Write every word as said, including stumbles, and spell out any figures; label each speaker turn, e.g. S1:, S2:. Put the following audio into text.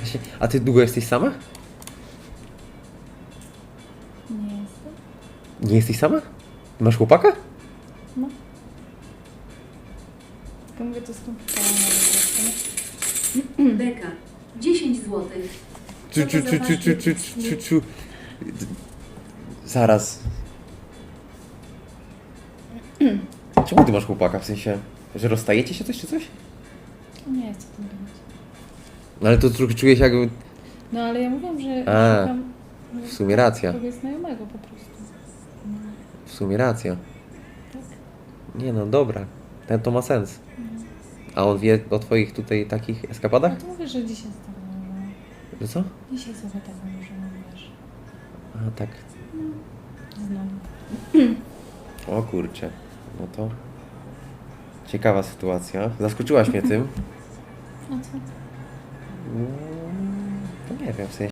S1: Właśnie, a ty długo jesteś sama?
S2: Nie jestem.
S1: Nie jesteś sama? Masz chłopaka?
S2: No. Tylko mówię, to skomplikowane.
S3: Beka. dziesięć złotych.
S1: Czu, czu, czu, czu, czu, czu, czu, czu. Zaraz. Czemu ty masz chłopaka? W sensie, że rozstajecie się coś czy coś?
S2: Nie chcę tym gadać.
S1: No ale to trochę czuję się jakby...
S2: No ale ja mówiłam, że
S1: A,
S2: szukam
S1: w sumie racja.
S2: kogoś znajomego po prostu. No,
S1: W sumie racja.
S2: tak.
S1: Nie no, dobra. Ten to ma sens. A on wie o twoich tutaj takich eskapadach?
S2: No to mówię, że dzisiaj z tobą. No.
S1: Że co?
S2: Dzisiaj sobie tak może wiesz.
S1: A tak.
S2: Znowu.
S1: O kurczę. No to... Ciekawa sytuacja. Zaskoczyłaś mnie tym.
S2: A co?
S1: No, to nie wiem, w sensie...